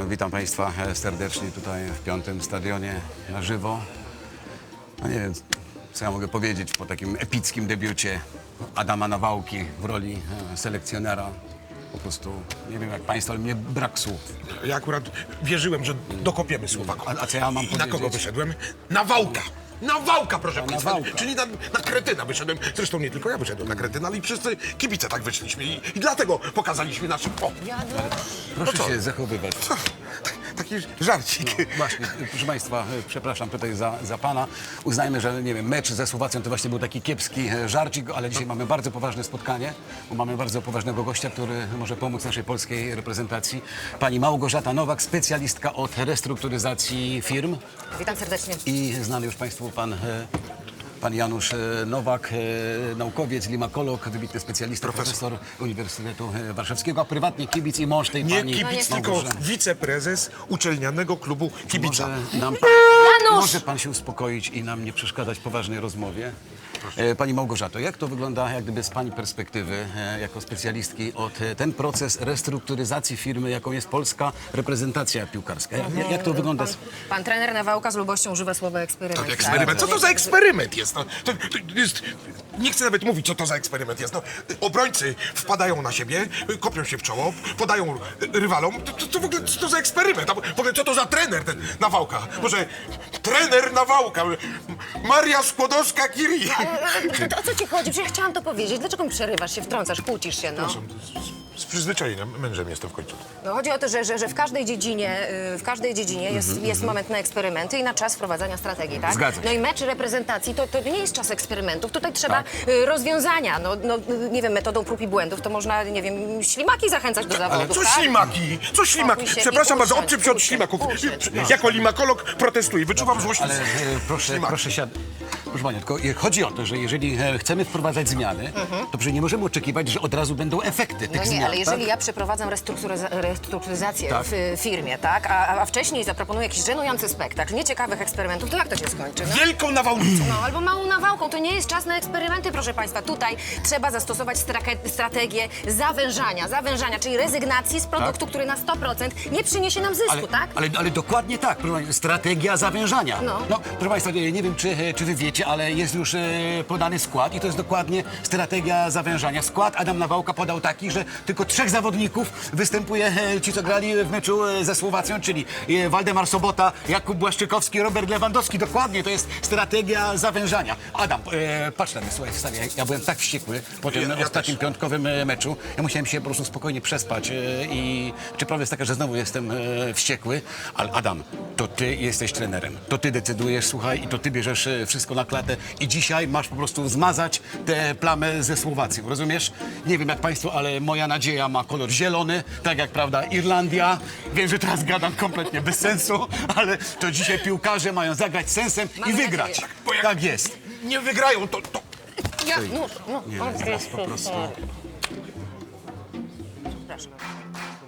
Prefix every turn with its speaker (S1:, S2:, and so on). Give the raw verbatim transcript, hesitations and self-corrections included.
S1: Witam Państwa serdecznie tutaj w piątym stadionie na żywo. No nie wiem, co ja mogę powiedzieć po takim epickim debiucie Adama Nawałki w roli selekcjonera. Po prostu, nie wiem jak Państwo, ale mnie brak słów.
S2: Ja akurat wierzyłem, że dokopiemy Słowakom.
S1: A, a co ja mam
S2: I na
S1: powiedzieć?
S2: kogo wyszedłem? Na Wałka! Na Wałka, proszę Państwa!
S1: Wałka.
S2: Czyli na, na kretyna wyszedłem. Zresztą nie tylko ja wyszedłem na kretyna, ale i wszyscy kibice tak wyszliśmy. I, i dlatego pokazaliśmy naszym... O!
S1: Proszę
S2: No co?
S1: się zachowywać.
S2: Co? Taki żarcik.
S1: No, właśnie, proszę Państwa, przepraszam tutaj za, za Pana. Uznajmy, że nie wiem, mecz ze Słowacją to właśnie był taki kiepski żarcik, ale dzisiaj mamy bardzo poważne spotkanie, bo mamy bardzo poważnego gościa, który może pomóc naszej polskiej reprezentacji. Pani Małgorzata Nowak, specjalistka od restrukturyzacji firm
S3: Witam serdecznie.
S1: i znany już Państwu pan... e, Pan Janusz e, Nowak, e, naukowiec, limakolog, wybitny specjalista, profesor, Uniwersytetu e, Warszawskiego, a prywatnie kibic i mąż tej
S2: Nie
S1: pani
S2: kibic, tylko
S1: Małgorzaty.
S2: wiceprezes uczelnianego klubu kibica.
S1: Może, nam pan,
S3: Janusz!
S1: może pan się uspokoić i nam nie przeszkadzać w poważnej rozmowie? E, Pani Małgorzato, jak to wygląda jak gdyby z Pani perspektywy, e, jako specjalistki, od e, ten proces restrukturyzacji firmy, jaką jest polska reprezentacja piłkarska? Jak, jak, jak to wygląda?
S3: Pan,
S1: z-
S3: pan trener Nawałka z lubością używa słowa eksperyment.
S2: Tak, eksperyment. Co to za eksperyment jest? No, to, to jest... Nie chcę nawet mówić, co to za eksperyment jest. No, obrońcy wpadają na siebie, kopią się w czoło, podają rywalom. To, to, to w ogóle co to za eksperyment? A w ogóle co to za trener ten Nawałka? Może trener Nawałka? Maria Skłodowska-Curie.
S3: To o co ci chodzi? Przecież ja chciałam to powiedzieć. Dlaczego mi przerywasz się, wtrącasz, kłócisz się, no?
S2: Z przyzwyczajenia, mężem jestem w końcu.
S3: No chodzi o to, że, że, że w każdej dziedzinie, y, w każdej dziedzinie jest,
S1: Mhm,
S3: jest moment na eksperymenty i na czas wprowadzania strategii, tak?
S1: Zgadza się.
S3: No i mecz reprezentacji to, to nie jest czas eksperymentów. Tutaj trzeba
S1: Tak.
S3: y, rozwiązania. No, no, y, nie wiem, metodą prób i błędów to można, nie wiem, ślimaki zachęcać do zawodów,
S2: Co
S3: tak?
S2: ślimaki? Co ślimaki?
S3: Spokój się
S2: Przepraszam
S3: i
S2: bardzo,
S3: usiądź,
S2: odczep się od
S3: usiądź,
S2: ślimaków.
S3: usiądź, no.
S2: Jako limakolog protestuję, wyczuwam złość.
S1: Ale e, proszę,
S2: Ślimaki.
S1: proszę siad... Proszę Pani, tylko e, chodzi o to, że jeżeli e, chcemy wprowadzać zmiany, to przecież nie możemy oczekiwać, że od razu będą efekty tych
S3: No nie,
S1: zmian.
S3: ale jeżeli
S1: tak?
S3: ja przeprowadzam restrukturyza- restrukturyzację
S1: Tak.
S3: w y, firmie, tak, a, a wcześniej zaproponuję jakiś żenujący spektakl, nieciekawych eksperymentów, to jak to się skończy? No?
S2: Wielką nawałnicą.
S3: No, albo małą nawałką. To nie jest czas na eksperymenty, proszę Państwa. Tutaj trzeba zastosować strake- strategię zawężania, zawężania, czyli rezygnacji z produktu, który na sto procent nie przyniesie nam zysku,
S1: Ale,
S3: tak?
S1: ale, ale dokładnie tak, proszę Państwa, strategia zawężania.
S3: No.
S1: Proszę Państwa, nie, nie wiem, czy, e, czy Wy wiecie, ale jest już e, podany skład i to jest dokładnie strategia zawężania. Skład Adam Nawałka podał taki, że tylko trzech zawodników występuje, e, ci co grali w meczu e, ze Słowacją, czyli e, Waldemar Sobota, Jakub Błaszczykowski, Robert Lewandowski. Dokładnie, to jest strategia zawężania. Adam, e, patrz na mnie, słuchaj, stary, ja, ja byłem tak wściekły po tym
S2: Ja- ja
S1: ostatnim
S2: też.
S1: piątkowym e, meczu. Ja musiałem się po prostu spokojnie przespać e, i czy prawda jest taka, że znowu jestem e, wściekły, ale Adam, to ty jesteś trenerem. To ty decydujesz, słuchaj, i to ty bierzesz e, wszystko na klatę i dzisiaj masz po prostu zmazać tę plamę ze Słowacją, rozumiesz? Nie wiem jak państwo, ale moja nadzieja ma kolor zielony, tak jak, prawda, Irlandia. Wiem, że teraz gadam kompletnie bez sensu, ale to dzisiaj piłkarze mają zagrać sensem
S3: Mamy
S1: i wygrać.
S3: nadzieję.
S2: Bo jak
S1: Tak jest.
S2: Nie wygrają, to... to...
S3: Ja, no, no,
S1: Nie,
S3: o,
S1: zaraz po prostu...
S3: Przepraszam.